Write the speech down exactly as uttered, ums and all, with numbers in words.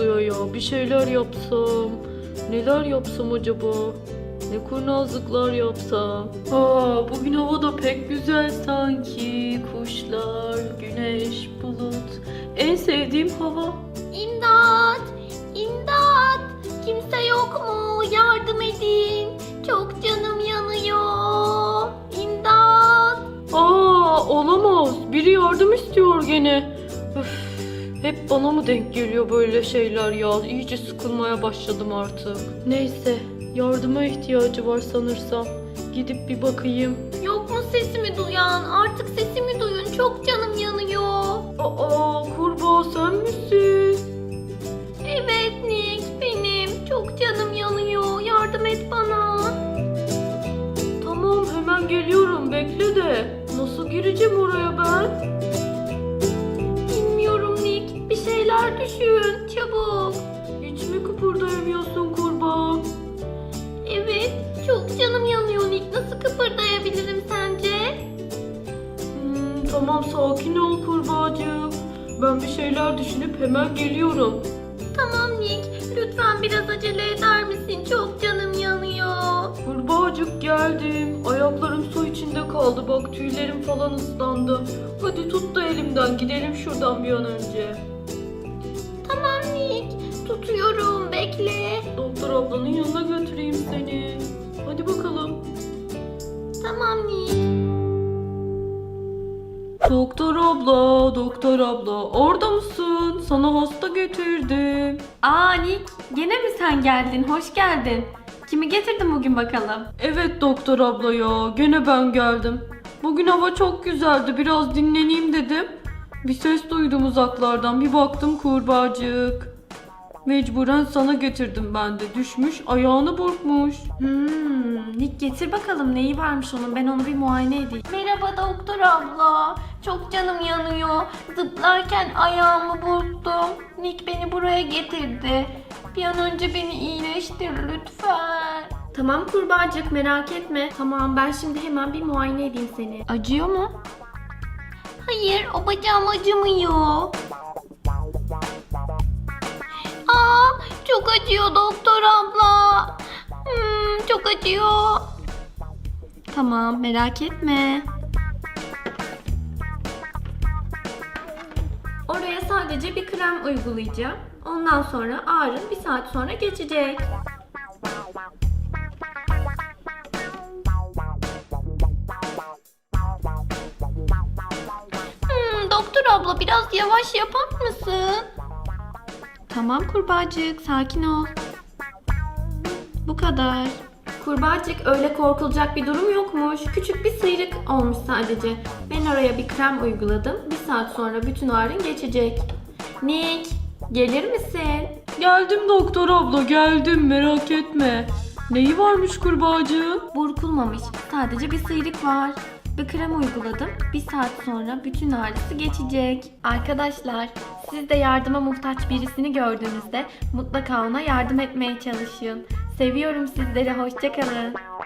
oluyor ya. Bir şeyler yapsam. Neler yapsam acaba? Ne kurnazlıklar yapsam. Aa, bugün hava da pek güzel sanki. Kuşlar, güneş, bulut. En sevdiğim hava. İmdat! İmdat! Kimse yok mu? Yardım edin. Çok canım yanıyor. İmdat! Aa, olamaz. Biri yardım istiyor gene. Üf, hep bana mı denk geliyor böyle şeyler ya? İyice sıkılmaya başladım artık. Neyse, yardıma ihtiyacı var sanırsam. Gidip bir bakayım. Yok mu sesimi duyan? Artık sesimi duyun. Çok canım yanıyor. Aa, kurbağa sen misin? Evet Nick, benim. Çok canım yanıyor. Yardım et bana. Tamam, hemen geliyorum. Bekle de. Nasıl gireceğim oraya ben? Bilmiyorum Nick. Bir şeyler düşün. Çabuk. Hiç mi kıpırdayamıyorsun kurbağa? Evet. Çok canım yanıyor Nick. Nasıl kıpırdayabilirim sence? Hmm, tamam, sakin ol kurbağacığım. Ben bir şeyler düşünüp hemen geliyorum. Tamam Nick. Lütfen biraz acele eder misin? Çok canım yanıyor. Kurbağacık geldim. Ayaklarım su içinde kaldı. Bak, tüylerim falan ıslandı. Hadi tut da elimden. Gidelim şuradan bir an önce. Tamam Nick. Tutuyorum. Bekle. Doktor ablanın yanına götüreyim seni. Hadi bakalım. Tamam Nick. Doktor abla, doktor abla. Orada mısın? Sana hasta getirdim. Aa Nick, gene mi sen geldin? Hoş geldin. Kimi getirdin bugün bakalım? Evet doktor abla ya. Gene ben geldim. Bugün hava çok güzeldi. Biraz dinleneyim dedim. Bir ses duydum uzaklardan. Bir baktım kurbağacık. Mecburen sana getirdim ben de. Düşmüş, ayağını burkmuş. Hmm, Nick getir bakalım neyi varmış onun. Ben onu bir muayene edeyim. Merhaba doktor abla. Çok canım yanıyor. Zıplarken ayağımı burktum. Nick beni buraya getirdi. Bir an önce beni iyileştir lütfen. Tamam kurbağacık merak etme. Tamam ben şimdi hemen bir muayene edeyim seni. Acıyor mu? Hayır, o bacağım acımıyor. Aa, çok acıyor doktor abla. Hmm, çok acıyor. Tamam merak etme. Oraya sadece bir krem uygulayacağım. Ondan sonra ağrın bir saat sonra geçecek. Hmm, doktor abla biraz yavaş yapar mısın? Tamam kurbağacık sakin ol. Bu kadar. Kurbağacık öyle korkulacak bir durum yokmuş. Küçük bir sıyrık olmuş sadece. Ben oraya bir krem uyguladım. Bir saat sonra bütün ağrın geçecek. Nick gelir misin? Geldim doktor abla, geldim. Merak etme. Neyi varmış kurbağacığın? Burkulmamış. Sadece bir sıyrık var. Bir krem uyguladım. Bir saat sonra bütün ağrısı geçecek. Arkadaşlar, siz de yardıma muhtaç birisini gördüğünüzde mutlaka ona yardım etmeye çalışın. Seviyorum sizleri. Hoşça kalın.